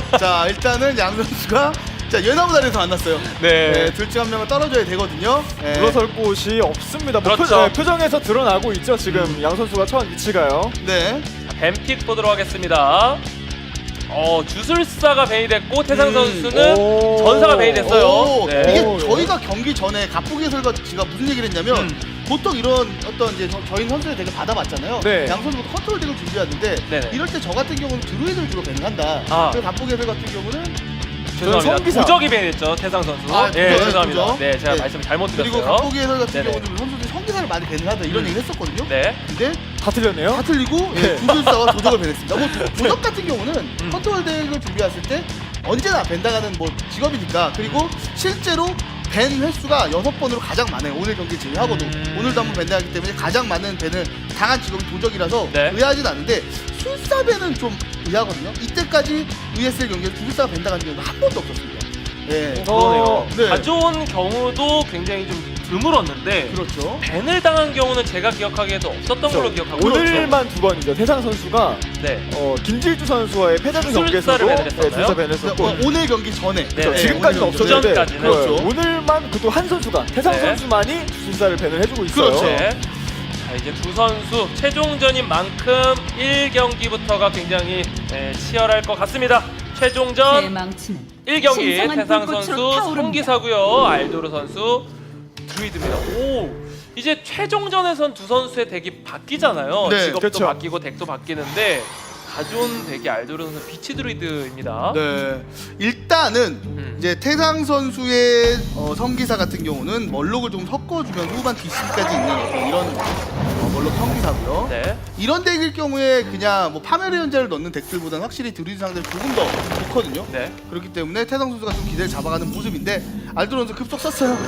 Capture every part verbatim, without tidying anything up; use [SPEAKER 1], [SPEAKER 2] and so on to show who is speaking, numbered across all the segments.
[SPEAKER 1] 자 일단은 양 선수가 자 연합다리에서 만났어요.
[SPEAKER 2] 네.
[SPEAKER 1] 네, 둘 중 한 명은 떨어져야 되거든요. 네.
[SPEAKER 3] 물러설 곳이 없습니다. 뭐
[SPEAKER 2] 그렇죠.
[SPEAKER 3] 표, 네, 표정에서 드러나고 있죠. 지금
[SPEAKER 1] 음.
[SPEAKER 3] 양 선수가 처한 위치가요.
[SPEAKER 1] 네.
[SPEAKER 2] 뱀픽 보도록 하겠습니다. 어, 주술사가 벤이 됐고 태상
[SPEAKER 1] 음.
[SPEAKER 2] 선수는
[SPEAKER 3] 오.
[SPEAKER 2] 전사가 벤이 됐어요.
[SPEAKER 1] 오,
[SPEAKER 2] 네.
[SPEAKER 1] 이게
[SPEAKER 3] 오,
[SPEAKER 1] 저희가 경기 전에 갑부기 해설가 씨가 무슨 얘기를 했냐면
[SPEAKER 2] 음.
[SPEAKER 1] 보통 이런 어떤 이제 저, 저희 선수의 덱을 받아봤잖아요.
[SPEAKER 3] 네.
[SPEAKER 1] 양 선수도 컨트롤 덱을 준비하는데
[SPEAKER 2] 네네.
[SPEAKER 1] 이럴 때 저 같은 경우는 드루이드를 주로 밴한다.
[SPEAKER 2] 아.
[SPEAKER 1] 그리고 갑부기 해설 같은 경우는
[SPEAKER 2] 죄송합니다.
[SPEAKER 3] 성기사.
[SPEAKER 2] 도적이 벤이 됐죠. 태상 선수.
[SPEAKER 1] 아,
[SPEAKER 2] 예,
[SPEAKER 1] 도적,
[SPEAKER 2] 죄송합니다.
[SPEAKER 1] 도적.
[SPEAKER 2] 네, 제가
[SPEAKER 1] 네.
[SPEAKER 2] 말씀을 잘못
[SPEAKER 1] 그리고
[SPEAKER 2] 드렸어요.
[SPEAKER 1] 갑부기 해설 같은
[SPEAKER 2] 네네.
[SPEAKER 1] 경우는 선수들이 성기사를 많이 밴을 하다 이런
[SPEAKER 2] 음.
[SPEAKER 1] 얘기를 했었거든요.
[SPEAKER 2] 네.
[SPEAKER 1] 근데
[SPEAKER 3] 다 틀렸네요.
[SPEAKER 1] 다 틀리고
[SPEAKER 3] 네.
[SPEAKER 1] 예, 주술사와 도적을 밴했습니다. 뭐 도- 도적 같은 경우는
[SPEAKER 2] 음.
[SPEAKER 1] 컨트롤 덱을 준비했을 때 언제나 밴당하는 뭐 직업이니까 그리고 실제로 밴 횟수가 여섯 번으로 가장 많아요. 오늘 경기 제외하고도
[SPEAKER 2] 음.
[SPEAKER 1] 오늘도 한번 밴당하기 때문에 가장 많은 밴을 당한 직업이 도적이라서
[SPEAKER 2] 네.
[SPEAKER 1] 의아하진 않은데 술사 밴은 좀 의아하거든요. 이때까지 브이에스엘 경기에 주술사가 밴당한 경우가 한 번도 없었습니다. 예.
[SPEAKER 2] 그러네요.
[SPEAKER 1] 네.
[SPEAKER 2] 가져온 경우도 굉장히 좀 드물었는데
[SPEAKER 1] 그렇죠.
[SPEAKER 2] 벤을 당한 경우는 제가 기억하기에도 없었던 걸로 기억하고 있어요.
[SPEAKER 3] 오늘만 두 번이죠. 태상 선수가
[SPEAKER 2] 네.
[SPEAKER 3] 어, 김질주 선수와의 패자전 경기에서도
[SPEAKER 2] 주술사를 밴을 했었나요?
[SPEAKER 3] 주술사 밴을 했었고
[SPEAKER 1] 어, 오늘 경기 전에
[SPEAKER 2] 네, 네.
[SPEAKER 3] 지금까지는
[SPEAKER 1] 오늘 경기 전에.
[SPEAKER 3] 없었는데
[SPEAKER 2] 그전까지는.
[SPEAKER 3] 네,
[SPEAKER 1] 그렇죠.
[SPEAKER 3] 오늘만 그도 한 선수가 태상
[SPEAKER 2] 네.
[SPEAKER 3] 선수만이 주술사를 밴을 해주고 있어요.
[SPEAKER 1] 그렇죠.
[SPEAKER 2] 네. 자, 이제 두 선수 최종전인 만큼 일 경기부터가 굉장히 에, 치열할 것 같습니다. 최종전
[SPEAKER 4] 대망치는
[SPEAKER 2] 일 경기
[SPEAKER 4] 신성한
[SPEAKER 2] 태상
[SPEAKER 4] 불꽃으로
[SPEAKER 2] 선수
[SPEAKER 4] 타오릅니다.
[SPEAKER 2] 성기사고요. 알도르 선수 드루이드입니다. 오, 이제 최종전에선 두 선수의 덱이 바뀌잖아요.
[SPEAKER 1] 네,
[SPEAKER 2] 직업도
[SPEAKER 3] 그렇죠.
[SPEAKER 2] 바뀌고 덱도 바뀌는데 가져온 덱이 알도르 선수 비치 드루이드입니다.
[SPEAKER 1] 네. 일단은
[SPEAKER 2] 음.
[SPEAKER 1] 이제 태상 선수의 어, 성기사 같은 경우는 멀록을 좀 섞어주면 후반 뒷심까지 있는 어떤 이런 어, 멀록 성기사고요.
[SPEAKER 2] 네.
[SPEAKER 1] 이런 덱일 경우에 그냥 뭐 파멸의 연자를 넣는 덱들보다는 확실히 드루이드 상대를 조금 더 좋거든요.
[SPEAKER 2] 네.
[SPEAKER 1] 그렇기 때문에 태상 선수가 좀 기대를 잡아가는 모습인데 알도르 선수 급속 썼어요.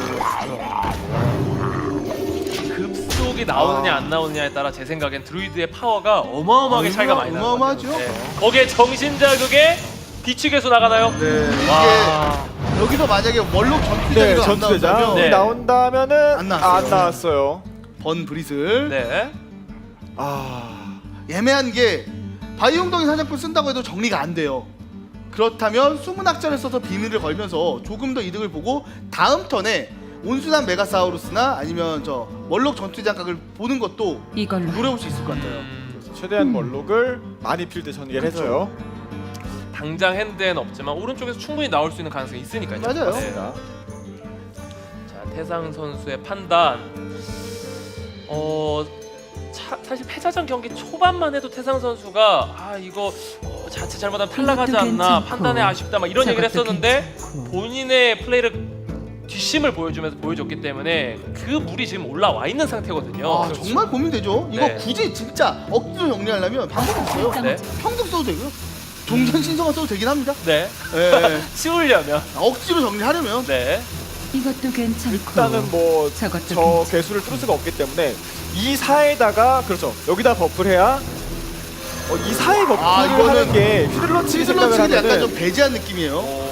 [SPEAKER 2] 급속이 나오느냐 안 나오느냐에 따라 제 생각엔 드루이드의 파워가 어마어마하게 차이가 많이 나요.
[SPEAKER 1] 어마어마하죠.
[SPEAKER 2] 거기에 정신자극에 비추개수 나가나요?
[SPEAKER 1] 네.
[SPEAKER 2] 와.
[SPEAKER 1] 이게 여기서 만약에 멀록 전투대장이
[SPEAKER 3] 네,
[SPEAKER 1] 안
[SPEAKER 3] 전투대장
[SPEAKER 1] 나온다면
[SPEAKER 2] 네.
[SPEAKER 3] 나온다면은
[SPEAKER 1] 안 나왔어요.
[SPEAKER 3] 안 나왔어요.
[SPEAKER 1] 번 브릿을
[SPEAKER 2] 네.
[SPEAKER 3] 아,
[SPEAKER 1] 애매한 게 바이용동이 사냥꾼 쓴다고 해도 정리가 안 돼요. 그렇다면 숨은 학자를 써서 비밀을 걸면서 조금 더 이득을 보고 다음 턴에 온순한 메가사우루스나 아니면 저 멀록 전투장 각을 보는 것도
[SPEAKER 4] 이걸로
[SPEAKER 1] 노려볼 수 있을 것 같아요.
[SPEAKER 2] 음,
[SPEAKER 3] 최대한 멀록을 많이 필드 전개를
[SPEAKER 1] 그렇죠.
[SPEAKER 3] 해서요.
[SPEAKER 2] 당장 핸드에는 없지만 오른쪽에서 충분히 나올 수 있는 가능성이 있으니까요.
[SPEAKER 1] 맞아요.
[SPEAKER 2] 네. 자, 태상 선수의 판단. 어, 차, 사실 패자전 경기 초반만 해도 태상 선수가 아 이거 어, 자칫 잘못하면 탈락하지
[SPEAKER 4] 이것도
[SPEAKER 2] 않나
[SPEAKER 4] 괜찮고,
[SPEAKER 2] 판단에 아쉽다 막 이런 얘기를
[SPEAKER 4] 저것도
[SPEAKER 2] 했었는데
[SPEAKER 4] 괜찮고.
[SPEAKER 2] 본인의 플레이를 뒷심을 보여주면서 보여줬기 때문에 그 물이 지금 올라와 있는 상태거든요.
[SPEAKER 1] 아 정말 고민되죠. 이거
[SPEAKER 2] 네.
[SPEAKER 1] 굳이 진짜 억지로 정리하려면 방법이 없어요.
[SPEAKER 2] 네.
[SPEAKER 1] 평등 써도 되고요. 종전 신성화 써도 되긴 합니다.
[SPEAKER 2] 네.
[SPEAKER 1] 예.
[SPEAKER 2] 치우려면.
[SPEAKER 1] 억지로 정리하려면
[SPEAKER 2] 네.
[SPEAKER 4] 이것도 괜찮고
[SPEAKER 3] 일단은 뭐 저
[SPEAKER 4] 저것도 괜찮고.
[SPEAKER 3] 개수를 뚫을 수가 없기 때문에 이 사에다가 그렇죠. 여기다 버프를 해야 어, 이 사에 버프를
[SPEAKER 1] 아, 이거는
[SPEAKER 3] 하는 게 휘둘러치기 생각을
[SPEAKER 1] 휘둘러치기를 약간
[SPEAKER 3] 하면은
[SPEAKER 1] 좀 배제한 느낌이에요.
[SPEAKER 2] 어...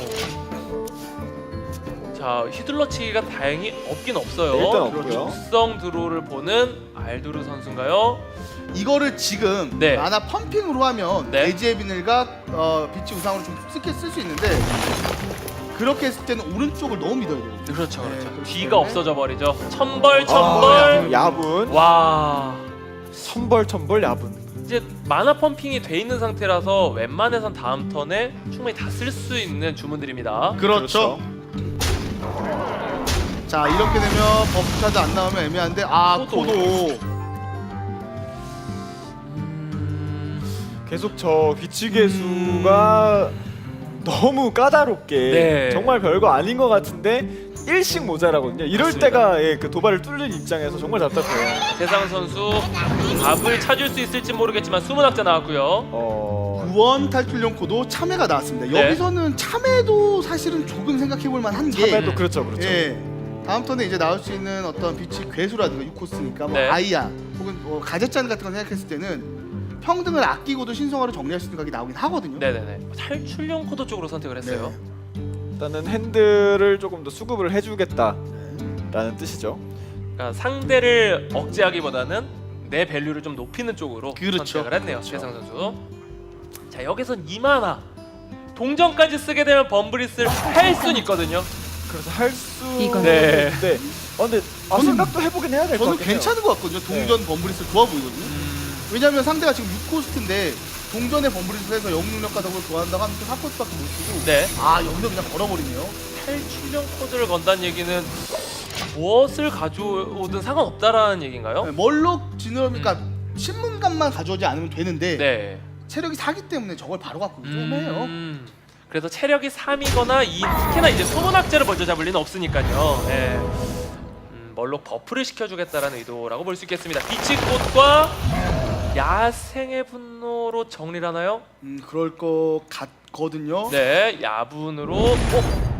[SPEAKER 2] 자, 휘둘러치기가 다행히 없긴 없어요.
[SPEAKER 3] 네, 일단 없고요.
[SPEAKER 2] 육성 드로우를 보는 알도르 선수인가요?
[SPEAKER 1] 이거를 지금
[SPEAKER 2] 네.
[SPEAKER 1] 만화 펌핑으로 하면
[SPEAKER 2] 네.
[SPEAKER 1] 대지의 비늘과 어, 빛이 우상으로 좀 쉽게 쓸 수 있는데 그렇게 했을 때는 오른쪽을 너무 믿어야 돼요.
[SPEAKER 2] 그렇죠,
[SPEAKER 1] 네,
[SPEAKER 2] 그렇죠.
[SPEAKER 1] 그렇기
[SPEAKER 2] 뒤가
[SPEAKER 1] 때문에.
[SPEAKER 2] 없어져 버리죠. 천벌,
[SPEAKER 3] 아,
[SPEAKER 2] 천벌.
[SPEAKER 3] 야분,
[SPEAKER 2] 와,
[SPEAKER 3] 천벌 천벌 야분.
[SPEAKER 2] 이제 만화 펌핑이 돼 있는 상태라서 웬만해선 다음 턴에 충분히 다 쓸 수 있는 주문들입니다.
[SPEAKER 1] 그렇죠. 자 이렇게 되면 버프 카드 안 나오면 애매한데 아
[SPEAKER 2] 코도.
[SPEAKER 1] 코도
[SPEAKER 3] 계속 저 위치 개수가 너무 까다롭게
[SPEAKER 2] 네.
[SPEAKER 3] 정말 별거 아닌 것 같은데 일씩 모자라거든요. 이럴
[SPEAKER 2] 맞습니다.
[SPEAKER 3] 때가 예, 그 도발을 뚫는 입장에서 정말 답답해요.
[SPEAKER 2] 태상 선수 답을 찾을 수 있을지 모르겠지만 숨은 학자 나왔고요.
[SPEAKER 3] 어,
[SPEAKER 1] 구원 탈출용 코도 참외가 나왔습니다.
[SPEAKER 2] 네.
[SPEAKER 1] 여기서는 참외도 사실은 조금 생각해볼 만한 게
[SPEAKER 3] 참에도 그렇죠, 그렇죠.
[SPEAKER 1] 예. 다음 턴에 이제 나올 수 있는 어떤 빛이 괴수라든가 육 코스니까 뭐
[SPEAKER 2] 네.
[SPEAKER 1] 아이야 혹은 뭐 가젯잔 같은 거 생각했을 때는 평등을 아끼고도 신성화를 정리할 수 있는 각이 나오긴 하거든요.
[SPEAKER 2] 네네네. 탈출용 코드 쪽으로 선택을 했어요.
[SPEAKER 3] 일단은 핸들을 조금 더 수급을 해주겠다라는 뜻이죠.
[SPEAKER 2] 그러니까 상대를 억제하기보다는 내 밸류를 좀 높이는 쪽으로
[SPEAKER 1] 그렇죠.
[SPEAKER 2] 선택을 했네요.
[SPEAKER 3] 그렇죠.
[SPEAKER 2] 최상 선수. 자 여기선 이 만화 동전까지 쓰게 되면 범브리스를 할 수는 있거든요.
[SPEAKER 3] 그래서 할수
[SPEAKER 4] 이건-
[SPEAKER 2] 네.
[SPEAKER 3] 있는데 어, 근데 아,
[SPEAKER 1] 저는-
[SPEAKER 3] 생각도 해보긴 해야 될 것
[SPEAKER 1] 저는
[SPEAKER 3] 같긴 해요.
[SPEAKER 1] 괜찮은 것 같거든요. 동전 범브리스 좋아 보이거든요.
[SPEAKER 2] 음,
[SPEAKER 1] 왜냐면 상대가 지금 육 코스트인데 동전의 범브리스를 해서 영능력 가덕을 좋아한다고 하면 사 코스트밖에 못 쓰고
[SPEAKER 2] 네.
[SPEAKER 1] 아 여기서 그냥 걸어버리네요.
[SPEAKER 2] 탈출형 코드를 건다는 얘기는 무엇을 가져오든 상관없다라는 얘기인가요?
[SPEAKER 1] 네, 멀록 진으로 그러니까 신문감만 가져오지 않으면 되는데
[SPEAKER 2] 네.
[SPEAKER 1] 체력이 사기 때문에 저걸 바로 갖고 좀 애매해요.
[SPEAKER 2] 음, 그래서 체력이 삼이거나 이 특히나 이제 소문학자를 먼저 잡을 리는 없으니까요. 네. 음, 멀록 버프를 시켜주겠다라는 의도라고 볼 수 있겠습니다. 빛의 꽃과 야생의 분노로 정리를 하나요?
[SPEAKER 1] 음 그럴 것 같거든요.
[SPEAKER 2] 네, 야분으로. 어?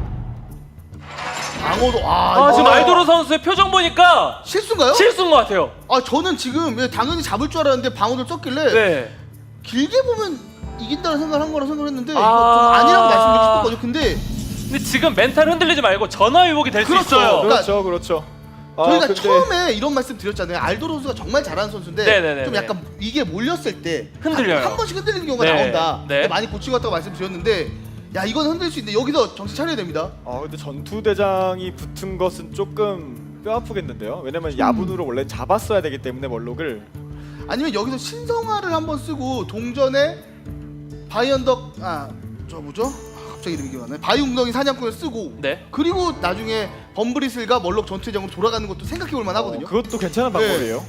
[SPEAKER 1] 방어도 아,
[SPEAKER 2] 아,
[SPEAKER 1] 이거-
[SPEAKER 2] 지금 알도로 선수의 표정 보니까
[SPEAKER 1] 실수인가요?
[SPEAKER 2] 실수인 것 같아요.
[SPEAKER 1] 아 저는 지금 예, 당연히 잡을 줄 알았는데 방어를 썼길래
[SPEAKER 2] 네.
[SPEAKER 1] 길게 보면 이긴다는 생각을 한 거라 생각했는데
[SPEAKER 2] 아.
[SPEAKER 1] 이거 좀 아니라고 말씀드리고 싶었거든요. 근데
[SPEAKER 2] 근데 지금 멘탈 흔들리지 말고 전화위복이 될 수
[SPEAKER 1] 그렇죠.
[SPEAKER 2] 있어요.
[SPEAKER 1] 그러니까
[SPEAKER 3] 그렇죠, 그렇죠. 아,
[SPEAKER 1] 저희가
[SPEAKER 3] 근데
[SPEAKER 1] 처음에 이런 말씀 드렸잖아요. 알도로 선수가 정말 잘하는 선수인데
[SPEAKER 2] 네네네네.
[SPEAKER 1] 좀 약간 이게 몰렸을 때
[SPEAKER 2] 흔들려요.
[SPEAKER 1] 한, 한 번씩 흔들리는 경우가
[SPEAKER 2] 네.
[SPEAKER 1] 나온다.
[SPEAKER 2] 네.
[SPEAKER 1] 근데 많이 고친 것 같다고 말씀드렸는데 야 이건 흔들릴 수 있는데 여기서 정신 차려야 됩니다.
[SPEAKER 3] 아 근데 전투 대장이 붙은 것은 조금 뼈 아프겠는데요.
[SPEAKER 1] 음.
[SPEAKER 3] 왜냐면 야분으로 원래 잡았어야 되기 때문에 멀록을.
[SPEAKER 1] 아니면 여기서 신성화를 한번 쓰고 동전에 바이언덕 아 저 뭐죠? 아, 갑자기 이름이 기억 안 나네. 바이웅덩이 사냥꾼을 쓰고
[SPEAKER 2] 네.
[SPEAKER 1] 그리고 나중에 범브리슬과 멀록 전투장으로 돌아가는 것도 생각해 볼 만하거든요.
[SPEAKER 3] 어, 그것도 괜찮은 방법이에요.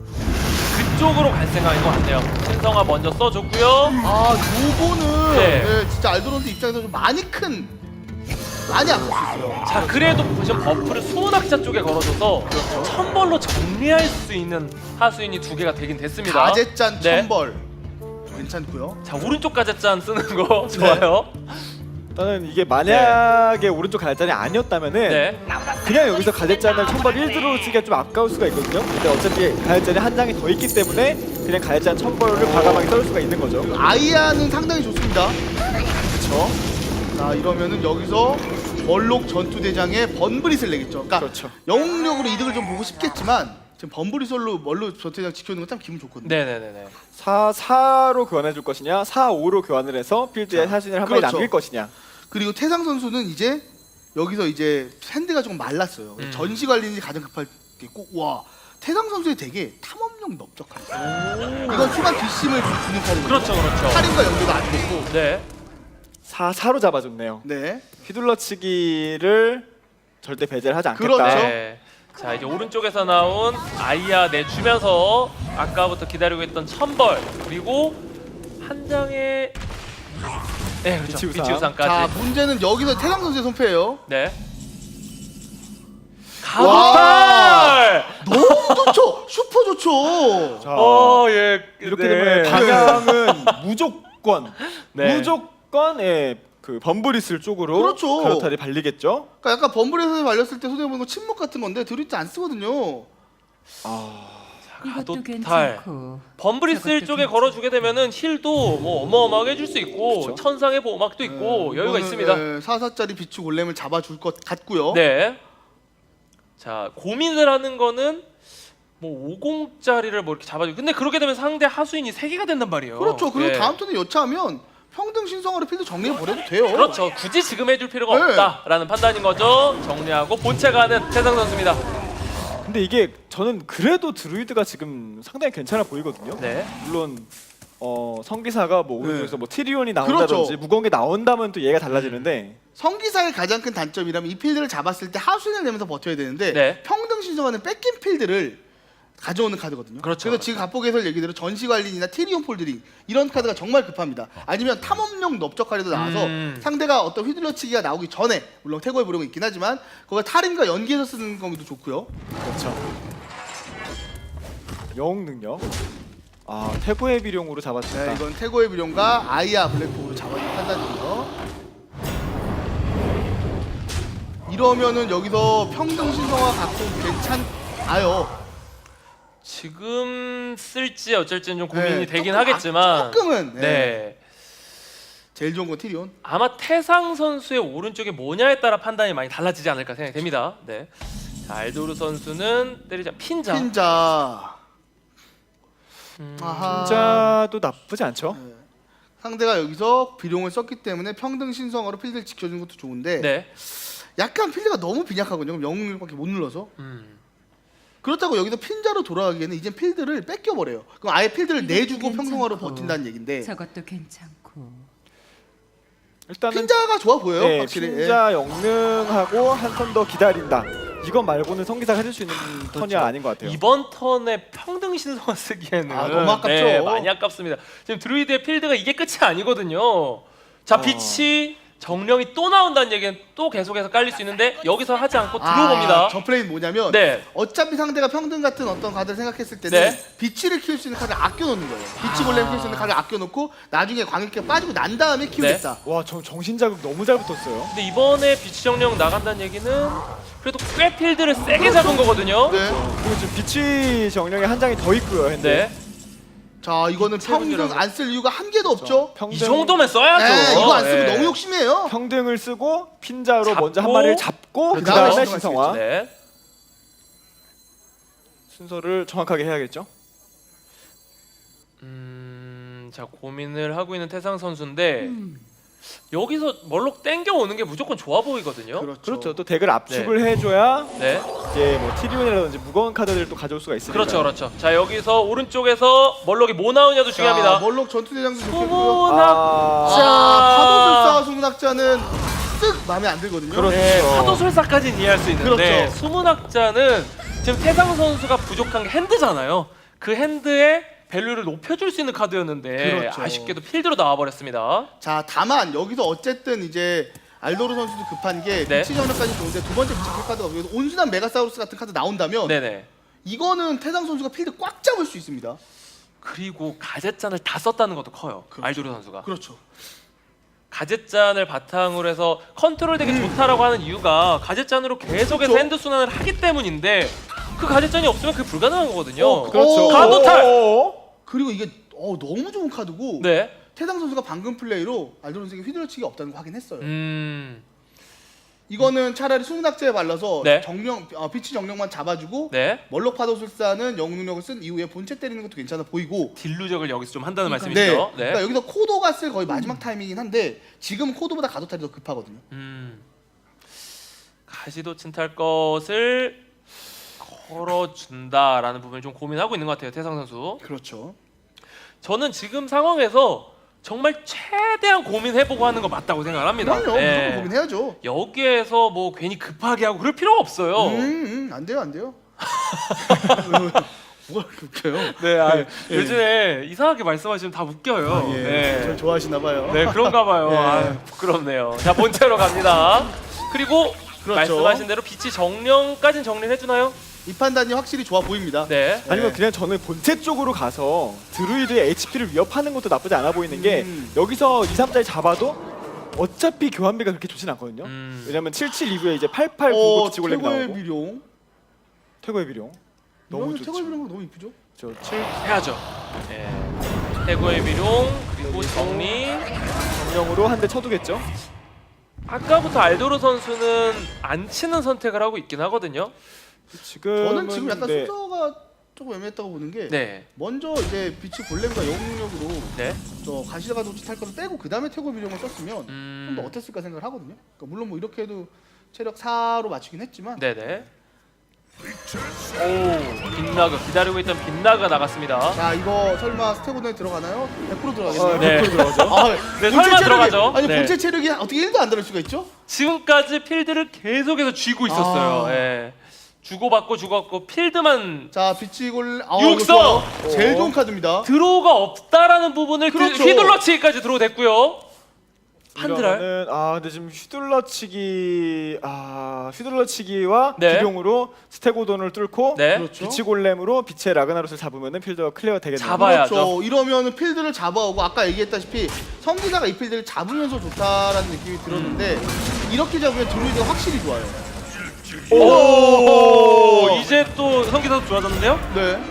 [SPEAKER 2] 그쪽으로 갈 생각인 것 같네요. 신성화 먼저 써줬고요.
[SPEAKER 1] 아 요거는
[SPEAKER 2] 네.
[SPEAKER 1] 네, 진짜 알도론스 입장에서 좀 많이 큰 많이 아플 수 있어요.
[SPEAKER 2] 자, 그래도 보시면 버프를 수호낙자 쪽에 걸어줘서 천벌로 정리할 수 있는 하수인이 두 개가 되긴 됐습니다.
[SPEAKER 1] 가제짠
[SPEAKER 2] 네.
[SPEAKER 1] 천벌 괜찮고요.
[SPEAKER 2] 자, 오른쪽 가제짠 쓰는 거 좋아요.
[SPEAKER 3] 일단은 이게 만약에 오른쪽 갈잔이 아니었다면은
[SPEAKER 2] 네.
[SPEAKER 3] 그냥 여기서 갈잔을 천벌 일 드로 쓰기가 좀 아까울 수가 있거든요. 근데 어차피 갈잔이 한 장이 더 있기 때문에 그냥 갈잔 천벌을 과감하게 썰 수가 있는 거죠.
[SPEAKER 1] 아이아는 상당히 좋습니다. 그렇죠. 자 이러면은 여기서 멀록 전투대장의 번브릿을 내겠죠. 그러니까
[SPEAKER 3] 그렇죠.
[SPEAKER 1] 영웅력으로 이득을 좀 보고 싶겠지만 지금 번브릿으로 멀록 전투대장 지켜주는 건 참 기분 좋거든요.
[SPEAKER 2] 네네네네.
[SPEAKER 3] 사, 사로 교환해 줄 것이냐, 사, 오로 교환을 해서 필드에 사진을 한 마리
[SPEAKER 1] 그렇죠.
[SPEAKER 3] 남길 것이냐.
[SPEAKER 1] 그리고 태상 선수는 이제 여기서 이제 핸드가 조금 말랐어요.
[SPEAKER 2] 음.
[SPEAKER 1] 전시 관리이 가장 급하겠고 와 태상 선수의 되게 탐험력 넓적한. 이건 수반 뒷심을 주는 카드거든요.
[SPEAKER 2] 그렇죠, 그렇죠.
[SPEAKER 1] 할인과 연계가 아주 좋고.
[SPEAKER 2] 네.
[SPEAKER 3] 사, 사로 잡아줬네요.
[SPEAKER 1] 네.
[SPEAKER 3] 휘둘러치기를 절대 배제를 하지 않겠다.
[SPEAKER 1] 그렇죠.
[SPEAKER 2] 네. 자, 이제 오른쪽에서 나온 아이야 내주면서 아까부터 기다리고 있던 천벌 그리고 한 장의 네, 그렇죠.
[SPEAKER 3] 빛의 우상.
[SPEAKER 2] 빛의 우상까지.
[SPEAKER 1] 자 문제는 여기서 태상 선수의 손패예요.
[SPEAKER 2] 네. 가도탈!
[SPEAKER 1] 너무 좋죠. 슈퍼 좋죠.
[SPEAKER 3] 자,
[SPEAKER 2] 어, 예.
[SPEAKER 3] 이렇게
[SPEAKER 2] 네.
[SPEAKER 3] 되면 방향은 무조건
[SPEAKER 2] 네.
[SPEAKER 3] 무조건 예, 그 범브리슬 쪽으로
[SPEAKER 1] 그렇죠.
[SPEAKER 3] 가로탈이 발리겠죠.
[SPEAKER 1] 그러니까 약간 범블에서 말렸을 때 손해 보는 거 침묵 같은 건데 드루이트 안 쓰거든요.
[SPEAKER 3] 아,
[SPEAKER 4] 이것도
[SPEAKER 2] 가도탈.
[SPEAKER 4] 괜찮고
[SPEAKER 2] 범브리슬
[SPEAKER 4] 저것도
[SPEAKER 2] 쪽에
[SPEAKER 4] 괜찮고.
[SPEAKER 2] 걸어주게 되면은 힐도 뭐 어마어마하게 해줄 수 있고
[SPEAKER 3] 그렇죠.
[SPEAKER 2] 천상의 보호막도 있고
[SPEAKER 1] 네,
[SPEAKER 2] 여유가
[SPEAKER 1] 이거는,
[SPEAKER 2] 있습니다.
[SPEAKER 1] 네, 사사짜리 비추 골렘을 잡아줄 것 같고요.
[SPEAKER 2] 네. 자, 고민을 하는 거는 뭐 오공짜리를 뭐 이렇게 잡아주고 근데 그렇게 되면 상대 하수인이 세 개가 된단 말이에요.
[SPEAKER 1] 그렇죠. 그리고
[SPEAKER 2] 예.
[SPEAKER 1] 다음 턴에 여차하면 평등 신성화로 필드 정리해 버려도 돼요.
[SPEAKER 2] 그렇죠. 굳이 지금 해줄 필요가
[SPEAKER 1] 네.
[SPEAKER 2] 없다라는 판단인 거죠. 정리하고 본체 가는 태상 선수입니다.
[SPEAKER 3] 근데 이게 저는 그래도 드루이드가 지금 상당히 괜찮아 보이거든요.
[SPEAKER 2] 네.
[SPEAKER 3] 물론 어, 성기사가 뭐
[SPEAKER 1] 네.
[SPEAKER 3] 오른쪽에서 뭐 티리온이 나온다든지
[SPEAKER 1] 그렇죠.
[SPEAKER 3] 무거운 게 나온다면 또 얘가 달라지는데
[SPEAKER 1] 성기사의 가장 큰 단점이라면 이 필드를 잡았을 때 하수인을 내면서 버텨야 되는데
[SPEAKER 2] 네.
[SPEAKER 1] 평등 신성화는 뺏긴 필드를 가져오는 카드거든요.
[SPEAKER 2] 그렇죠.
[SPEAKER 1] 그래서 지금 갑복 해설 얘기대로 전시관리나 티리온 폴드링 이런 카드가 정말 급합니다. 아니면 탐험력 넓적하리도 나와서
[SPEAKER 2] 음.
[SPEAKER 1] 상대가 어떤 휘둘러치기가 나오기 전에 물론 태고의 부름은 있긴 하지만 그걸 탈임과 연계해서 쓰는 것도 좋고요.
[SPEAKER 3] 그렇죠. 영웅 능력. 아, 태고의 비룡으로 잡아준다.
[SPEAKER 1] 네, 이건 태고의 비룡과 아이아 블랙홀로 잡아준 판단이고요. 이러면은 여기서 평등 신성화 갖고 괜찮아요.
[SPEAKER 2] 지금 쓸지 어쩔지는 좀 고민이
[SPEAKER 1] 네,
[SPEAKER 2] 되긴
[SPEAKER 1] 조금,
[SPEAKER 2] 하겠지만
[SPEAKER 1] 아, 조금은 네.
[SPEAKER 2] 네.
[SPEAKER 1] 제일 좋은 건 티리온.
[SPEAKER 2] 아마 태상 선수의 오른쪽이 뭐냐에 따라 판단이 많이 달라지지 않을까 생각이 됩니다. 네. 자, 알도르 선수는 때리자 핀자.
[SPEAKER 1] 핀자.
[SPEAKER 2] 음,
[SPEAKER 1] 아하.
[SPEAKER 3] 진짜도 나쁘지 않죠.
[SPEAKER 1] 네. 상대가 여기서 비룡을 썼기 때문에 평등 신성화로 필드를 지켜주는 것도 좋은데
[SPEAKER 2] 네.
[SPEAKER 1] 약간 필드가 너무 빈약하거든요. 그럼 영웅력밖에 못 눌러서.
[SPEAKER 2] 음.
[SPEAKER 1] 그렇다고 여기서 핀자로 돌아가기에는 이젠 필드를 뺏겨버려요. 그럼 아예 필드를
[SPEAKER 4] 이것도
[SPEAKER 1] 내주고
[SPEAKER 4] 괜찮고.
[SPEAKER 1] 평등화로 버틴다는 얘긴데
[SPEAKER 4] 저것도 괜찮고.
[SPEAKER 3] 일단은
[SPEAKER 1] 핀자가 좋아 보여요.
[SPEAKER 3] 네,
[SPEAKER 1] 확실히. 예.
[SPEAKER 3] 핀자 영능하고 한 턴 더 기다린다. 이건 말고는 성기사가 해줄 수 있는 턴이 아닌 것 같아요.
[SPEAKER 2] 이번 턴에 평등 신성화 쓰기에는
[SPEAKER 1] 아, 너무 아깝죠.
[SPEAKER 2] 네, 많이 아깝습니다. 지금 드루이드의 필드가 이게 끝이 아니거든요. 자,
[SPEAKER 3] 어.
[SPEAKER 2] 빛이 정령이 또 나온다는 얘기는 또 계속해서 깔릴 수 있는데 여기서 하지 않고 들어봅니다.
[SPEAKER 1] 아, 저 플레이는 뭐냐면
[SPEAKER 2] 네.
[SPEAKER 1] 어차피 상대가 평등 같은 어떤 카드를 생각했을 때는
[SPEAKER 2] 네.
[SPEAKER 1] 비치를 키울 수 있는 카드를 아껴놓는 거예요. 비치 골렘 키울 수 있는 카드를 아껴놓고 나중에 광역기가 빠지고 난 다음에 키우겠다.
[SPEAKER 3] 와, 저 정신 자극 너무 잘 붙었어요.
[SPEAKER 2] 근데 이번에 빛이 정령 나간다는 얘기는 그래도 꽤 필드를 세게 잡은 거거든요.
[SPEAKER 1] 네.
[SPEAKER 3] 그리고 지금 비치 정령이 한 장이 더 있고요. 현재.
[SPEAKER 2] 네.
[SPEAKER 1] 자 이거는 평등
[SPEAKER 2] 세븐이라고.
[SPEAKER 1] 안 쓸 이유가 한 개도 없죠.
[SPEAKER 3] 평등,
[SPEAKER 2] 이 정도면 써야죠.
[SPEAKER 1] 네, 이거 안 쓰면
[SPEAKER 2] 네.
[SPEAKER 1] 너무 욕심이에요.
[SPEAKER 3] 평등을 쓰고 핀자로
[SPEAKER 2] 잡고,
[SPEAKER 3] 먼저 한 마리를 잡고 그
[SPEAKER 1] 그다음에
[SPEAKER 3] 다음에
[SPEAKER 1] 신성화
[SPEAKER 3] 신성화.
[SPEAKER 2] 네.
[SPEAKER 3] 순서를 정확하게 해야겠죠.
[SPEAKER 2] 음, 자 고민을 하고 있는 태상 선수인데
[SPEAKER 4] 음.
[SPEAKER 2] 여기서 멀록 땡겨 오는 게 무조건 좋아 보이거든요.
[SPEAKER 1] 그렇죠.
[SPEAKER 3] 그렇죠. 또 덱을 압축을 해줘야
[SPEAKER 2] 네.
[SPEAKER 3] 이제 뭐 티리온이라든지 무거운 카드들을 또 가져올 수가 있으니까.
[SPEAKER 2] 그렇죠, 그렇죠. 자 여기서 오른쪽에서 멀록이 뭐 나오냐도 중요합니다.
[SPEAKER 1] 자, 멀록 전투대장도 좋겠고요.
[SPEAKER 2] 소문학
[SPEAKER 3] 아,
[SPEAKER 2] 자.
[SPEAKER 1] 아, 파도술사와 수문학자는 쓱 마음에 안 들거든요.
[SPEAKER 3] 그렇죠.
[SPEAKER 2] 네, 파도술사까지는 이해할 수 있는데
[SPEAKER 1] 그렇죠.
[SPEAKER 2] 수문학자는 지금 태상 선수가 부족한 게 핸드잖아요. 그 핸드의 밸류를 높여줄 수 있는 카드였는데
[SPEAKER 1] 그렇죠.
[SPEAKER 2] 아쉽게도 필드로 나와버렸습니다.
[SPEAKER 1] 자 다만 여기서 어쨌든 이제 알도르 선수도 급한 게
[SPEAKER 2] 네.
[SPEAKER 1] 비치 전력까지 좋은데 두 번째 비치 카드가 여기서 온순한 메가사우루스 같은 카드 나온다면
[SPEAKER 2] 네네.
[SPEAKER 1] 이거는 태상 선수가 필드 꽉 잡을 수 있습니다.
[SPEAKER 2] 그리고 가젯잔을 다 썼다는 것도 커요.
[SPEAKER 1] 그렇죠.
[SPEAKER 2] 알도르 선수가.
[SPEAKER 1] 그렇죠.
[SPEAKER 2] 가젯잔을 바탕으로 해서 컨트롤 되게 좋다라고 하는 이유가 가젯잔으로 계속해서
[SPEAKER 1] 그렇죠.
[SPEAKER 2] 핸드 순환을 하기 때문인데 그 가젯잔이 없으면 그게 불가능한 거거든요.
[SPEAKER 1] 어,
[SPEAKER 3] 그렇죠.
[SPEAKER 1] 오.
[SPEAKER 2] 가도탈!
[SPEAKER 3] 오.
[SPEAKER 1] 그리고 이게 어, 너무 좋은 카드고
[SPEAKER 2] 네.
[SPEAKER 1] 태상 선수가 방금 플레이로 알도르 선수에게 휘둘러치기 없다는 거 확인했어요.
[SPEAKER 2] 음.
[SPEAKER 1] 이거는 차라리 수문학자에 발라서
[SPEAKER 2] 네.
[SPEAKER 1] 정령 어, 비치 정령만 잡아주고
[SPEAKER 2] 네.
[SPEAKER 1] 멀록 파도술사는 영웅 능력을 쓴 이후에 본체 때리는 것도 괜찮아 보이고.
[SPEAKER 2] 딜루적을 여기서 좀 한다는
[SPEAKER 1] 네.
[SPEAKER 2] 말씀이시죠?
[SPEAKER 1] 그러니까 여기서 코도가 쓸 거의 마지막 타이밍이긴 한데 지금 코도보다 가도탈이 더 급하거든요.
[SPEAKER 2] 음. 가시도 친탈 것을 걸어준다라는 부분을 좀 고민하고 있는 것 같아요, 태상 선수.
[SPEAKER 1] 그렇죠.
[SPEAKER 2] 저는 지금 상황에서 정말 최대한 고민해보고 하는 거 맞다고 생각을 합니다.
[SPEAKER 1] 그럼요.
[SPEAKER 2] 네.
[SPEAKER 1] 무조건 고민해야죠.
[SPEAKER 2] 여기에서 뭐 괜히 급하게 하고 그럴 필요가 없어요.
[SPEAKER 1] 음, 음, 안 돼요, 안 돼요. 뭐가 그렇게 웃겨요?
[SPEAKER 2] 네, 아,
[SPEAKER 1] 네.
[SPEAKER 2] 요즘에 이상하게 말씀하시면 다 웃겨요.
[SPEAKER 1] 아, 예.
[SPEAKER 2] 네.
[SPEAKER 1] 저 좋아하시나 봐요.
[SPEAKER 2] 네, 그런가 봐요.
[SPEAKER 1] 예.
[SPEAKER 2] 아, 부끄럽네요. 자, 본체로 갑니다. 그리고
[SPEAKER 1] 그렇죠.
[SPEAKER 2] 말씀하신 대로 빛이 정령까지는 정리를 해주나요?
[SPEAKER 1] 이 판단이 확실히 좋아 보입니다.
[SPEAKER 2] 네.
[SPEAKER 3] 아니면
[SPEAKER 1] 네.
[SPEAKER 3] 그냥 저는 본체 쪽으로 가서 드루이드의 에이치피를 위협하는 것도 나쁘지 않아 보이는 게
[SPEAKER 1] 음.
[SPEAKER 3] 여기서 이, 삼자를 잡아도 어차피 교환비가 그렇게 좋진 않거든요.
[SPEAKER 2] 음.
[SPEAKER 3] 왜냐면 칠칠 이후에 이제 팔팔
[SPEAKER 1] 어,
[SPEAKER 3] 구구 지골렘이
[SPEAKER 1] 태고의
[SPEAKER 3] 나오고
[SPEAKER 1] 비룡.
[SPEAKER 3] 태고의 비룡 너무
[SPEAKER 1] 너무
[SPEAKER 3] 좋죠.
[SPEAKER 1] 태고의 비룡 너무 이쁘죠?
[SPEAKER 3] 저 칠
[SPEAKER 2] 해야죠. 네. 해고의 비룡 그리고 정리.
[SPEAKER 3] 정령으로 한 대 쳐두겠죠.
[SPEAKER 2] 아까부터 알도르 선수는 안 치는 선택을 하고 있긴 하거든요.
[SPEAKER 3] 지금
[SPEAKER 1] 저는 지금 약간
[SPEAKER 3] 네.
[SPEAKER 1] 순서가 조금 애매했다고 보는 게
[SPEAKER 2] 네.
[SPEAKER 1] 먼저 이제 비치 골렘과 영웅 능력으로
[SPEAKER 2] 네.
[SPEAKER 1] 저 가시다가 도치 탈 것을 빼고 그 다음에 태고 비룡을 썼으면
[SPEAKER 2] 음.
[SPEAKER 1] 좀 더 어땠을까 생각을 하거든요. 그러니까 물론 뭐 이렇게 해도 체력 사로 맞추긴 했지만
[SPEAKER 2] 네네. 오, 빗나그 기다리고 있던 빗나그가 나갔습니다.
[SPEAKER 1] 자 이거 설마 스테고너에 들어가나요? 백 퍼센트 들어가겠네요.
[SPEAKER 3] 어,
[SPEAKER 2] 네.
[SPEAKER 3] 백 퍼센트 들어가죠.
[SPEAKER 1] 아,
[SPEAKER 2] 네,
[SPEAKER 1] 본체
[SPEAKER 2] 설마
[SPEAKER 1] 체력이-
[SPEAKER 2] 들어가죠.
[SPEAKER 1] 아니
[SPEAKER 2] 네.
[SPEAKER 1] 본체 체력이 어떻게 일도 안 들을 수가 있죠?
[SPEAKER 2] 지금까지 필드를 계속해서 쥐고 있었어요.
[SPEAKER 1] 아.
[SPEAKER 2] 예. 주고받고 주고받고 필드만
[SPEAKER 1] 자 비치골 아,
[SPEAKER 2] 육성!
[SPEAKER 1] 이거 좋아요. 제일 좋은 카드입니다.
[SPEAKER 2] 드로우가 없다라는 부분을 그
[SPEAKER 1] 그렇죠.
[SPEAKER 2] 휘둘러치기까지 드로우 됐고요. 판드랄.
[SPEAKER 3] 이러면은, 아 근데 지금 휘둘러치기 아 휘둘러치기와
[SPEAKER 2] 네.
[SPEAKER 3] 비룡으로 스테고돈을 뚫고
[SPEAKER 2] 네.
[SPEAKER 1] 그렇죠.
[SPEAKER 3] 비치 골렘으로 빛의 라그나롯을 잡으면은 필드가 클리어 되겠네요.
[SPEAKER 2] 잡아야죠.
[SPEAKER 1] 그렇죠. 이러면은 필드를 잡아오고 아까 얘기했다시피 성기사가 이 필드를 잡으면서 좋다라는 느낌이 들었는데 이렇게 잡으면 드루이드가 확실히 좋아요.
[SPEAKER 2] 오, 이제 또 성기사도 좋아졌는데요?
[SPEAKER 1] 네.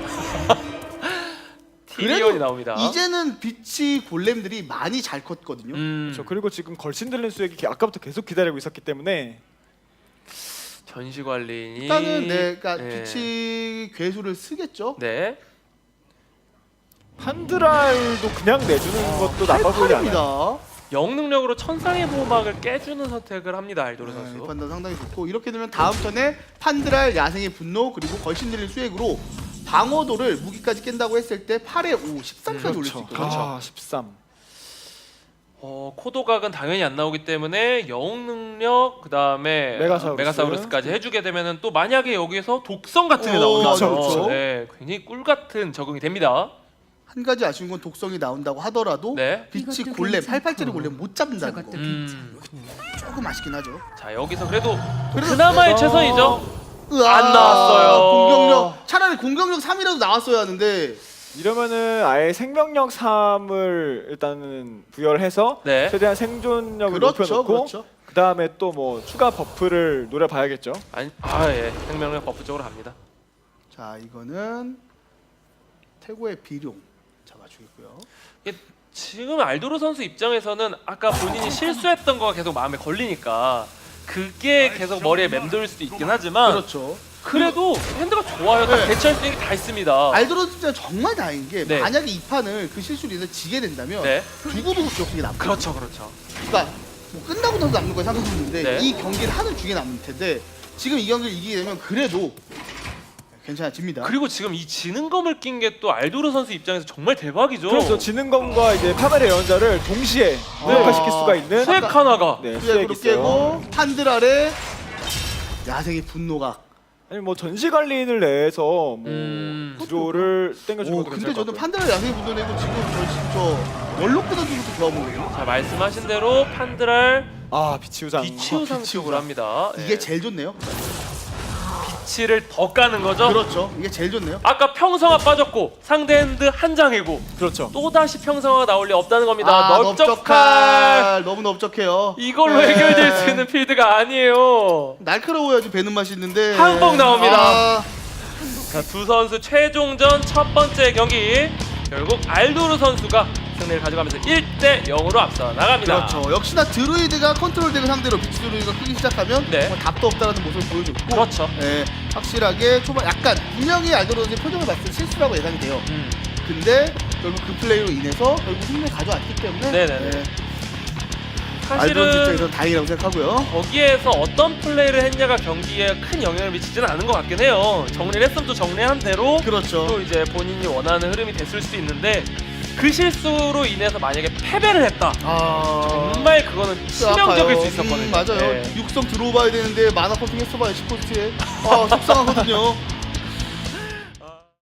[SPEAKER 2] 티리온이 나옵니다.
[SPEAKER 1] 이제는 비치 골렘들이 많이 잘 컸거든요.
[SPEAKER 2] 음,
[SPEAKER 3] 그렇죠. 그리고 지금 걸신 들린 수액이 기- 아까부터 계속 기다리고 있었기 때문에
[SPEAKER 2] 전시 관리인이
[SPEAKER 1] 일단은 네, 그러니까
[SPEAKER 2] 네.
[SPEAKER 1] 비치 괴수를 쓰겠죠.
[SPEAKER 2] 네.
[SPEAKER 3] 판드랄도 그냥 내주는 것도 나빠 보이지 않아요.
[SPEAKER 1] 팔팔입니다.
[SPEAKER 2] 영능력으로 천상의 보호막을 깨주는 선택을 합니다. 알도르
[SPEAKER 1] 이
[SPEAKER 2] 선수.
[SPEAKER 1] 판단 상당히 좋고 이렇게 되면 다음 턴에 판드랄 야생의 분노 그리고 걸신 들린 수액으로 방어도를 무기까지 깬다고 했을 때 팔에 오, 십삼까지 올릴 수
[SPEAKER 3] 그렇죠.
[SPEAKER 1] 있거든요.
[SPEAKER 3] 아, 십삼.
[SPEAKER 2] 어, 코도각은 당연히 안 나오기 때문에 영능력 그다음에
[SPEAKER 3] 메가사우루스.
[SPEAKER 2] 메가사우루스까지 해주게 되면은 또 만약에 여기서 독성 같은 게
[SPEAKER 1] 오,
[SPEAKER 2] 나오면
[SPEAKER 1] 그렇죠, 그렇죠.
[SPEAKER 2] 네, 굉장히 꿀 같은 적응이 됩니다.
[SPEAKER 1] 한 가지 아쉬운 건 독성이 나온다고 하더라도
[SPEAKER 2] 네.
[SPEAKER 1] 빛이
[SPEAKER 4] 이것도
[SPEAKER 1] 골렘,
[SPEAKER 4] 괜찮고,
[SPEAKER 1] 팔팔짜리 골렘 못 잡는다는 거.
[SPEAKER 4] 저것도
[SPEAKER 2] 음.
[SPEAKER 1] 조금 아쉽긴 하죠.
[SPEAKER 2] 자 여기서 그래도
[SPEAKER 1] 그래도
[SPEAKER 2] 그나마의
[SPEAKER 3] 그래서-
[SPEAKER 2] 최선이죠.
[SPEAKER 1] 으아,
[SPEAKER 2] 안 나왔어요.
[SPEAKER 1] 공격력 차라리 공격력 삼이라도 나왔어야 하는데
[SPEAKER 3] 이러면은 아예 생명력 삼을 일단은 부여를 해서
[SPEAKER 2] 네.
[SPEAKER 3] 최대한 생존력을
[SPEAKER 1] 그렇죠,
[SPEAKER 3] 높여놓고
[SPEAKER 1] 그렇죠.
[SPEAKER 3] 그 다음에 또 뭐 추가 버프를 노려봐야겠죠.
[SPEAKER 2] 아니, 아 예, 생명력 버프 쪽으로 갑니다.
[SPEAKER 1] 자 이거는 태고의 비룡 잡아주겠고요.
[SPEAKER 2] 이게 지금 알도르 선수 입장에서는 아까 본인이 실수했던 거가 계속 마음에 걸리니까 그게 계속 머리에 맴돌 수도 있긴 하지만
[SPEAKER 1] 그렇죠.
[SPEAKER 2] 그래도 핸드가 좋아요. 딱
[SPEAKER 1] 네.
[SPEAKER 2] 대처할 수 있는 게 다 있습니다.
[SPEAKER 1] 알도로 진짜 정말 다행인 게
[SPEAKER 2] 네.
[SPEAKER 1] 만약에 이 판을 그 실수로 인해서 지게 된다면
[SPEAKER 2] 네.
[SPEAKER 1] 두고두고 기억이 남고
[SPEAKER 2] 그렇죠, 그렇죠.
[SPEAKER 1] 그러니까 뭐 끝나고 나서 남는 건 상관없는데
[SPEAKER 2] 네.
[SPEAKER 1] 이 경기를 하는 중에 남을 텐데 지금 이 경기를 이기게 되면 그래도 괜찮아집니다.
[SPEAKER 2] 그리고 지금 이 지능검을 낀 게 또 알도르 선수 입장에서 정말 대박이죠.
[SPEAKER 3] 그렇죠. 지능검과 이제 파벨의 예언자를 동시에 무력화시킬 수가 있는
[SPEAKER 2] 수액 하나가
[SPEAKER 3] 네, 수액이
[SPEAKER 1] 수액으로
[SPEAKER 3] 있어요.
[SPEAKER 1] 깨고 판들 아래 야생의 분노가.
[SPEAKER 3] 아니 뭐 전시 관리인을 내서 뭐
[SPEAKER 2] 음.
[SPEAKER 3] 구조를 땡겨주는
[SPEAKER 1] 오
[SPEAKER 3] 것도
[SPEAKER 1] 근데
[SPEAKER 3] 괜찮을 것
[SPEAKER 1] 저는
[SPEAKER 3] 같고요.
[SPEAKER 1] 판들 아래 야생의 분노 내고 지금 저, 저 원로 끊어주는 것도 좋아 보거든요.
[SPEAKER 2] 자 말씀하신 대로 판드랄
[SPEAKER 3] 아 비치우상.
[SPEAKER 2] 비치우상 쪽으로 합니다.
[SPEAKER 1] 이게
[SPEAKER 2] 예.
[SPEAKER 1] 제일 좋네요.
[SPEAKER 2] 비치를 더 까는 거죠.
[SPEAKER 1] 그렇죠. 이게 제일 좋네요.
[SPEAKER 2] 아까 평성화 빠졌고 상대 핸드 한 장이고
[SPEAKER 3] 그렇죠.
[SPEAKER 2] 또 다시 평성화가 나올 리 없다는 겁니다.
[SPEAKER 1] 아,
[SPEAKER 2] 넓적할
[SPEAKER 1] 넓적할 너무 넓적해요.
[SPEAKER 2] 이걸로
[SPEAKER 1] 네.
[SPEAKER 2] 해결될 수 있는 필드가 아니에요.
[SPEAKER 1] 날카로워야지 배는 맛이 있는데
[SPEAKER 2] 항복 나옵니다.
[SPEAKER 1] 아,
[SPEAKER 2] 자, 두 선수 최종전 첫 번째 경기 결국 알도르 선수가 승리를 가져가면서 일 대 영으로 앞서 나갑니다.
[SPEAKER 1] 그렇죠. 역시나 드루이드가 컨트롤 덱을 상대로 비치 드루이드가 크기 시작하면
[SPEAKER 2] 네.
[SPEAKER 1] 정말 답도 없다라는 모습을 보여줬고
[SPEAKER 2] 그렇죠.
[SPEAKER 1] 예, 확실하게 초반 약간 분명히 알도르 선수의 표정을 봤을 때 실수라고 예상이 돼요.
[SPEAKER 2] 음.
[SPEAKER 1] 근데 결국 그 플레이로 인해서 결국 승리를 가져왔기 때문에
[SPEAKER 2] 네네네.
[SPEAKER 1] 예, 알도르
[SPEAKER 2] 사실은
[SPEAKER 1] 입장에서는 다행이라고 생각하고요.
[SPEAKER 2] 거기에서 어떤 플레이를 했냐가 경기에 큰 영향을 미치지는 않은 것 같긴 해요. 정리를 했으면 또 정리한 대로
[SPEAKER 1] 그렇죠.
[SPEAKER 2] 또 이제 본인이 원하는 흐름이 됐을 수도 있는데 그 실수로 인해서 만약에 패배를 했다.
[SPEAKER 1] 아
[SPEAKER 2] 정말 그거는 치명적일 수 있었거든요.
[SPEAKER 1] 음, 맞아요.
[SPEAKER 2] 네.
[SPEAKER 1] 육성 들어와봐야 되는데 만화 퍼팅 했어봐요 십 코스트에. 아 속상하거든요.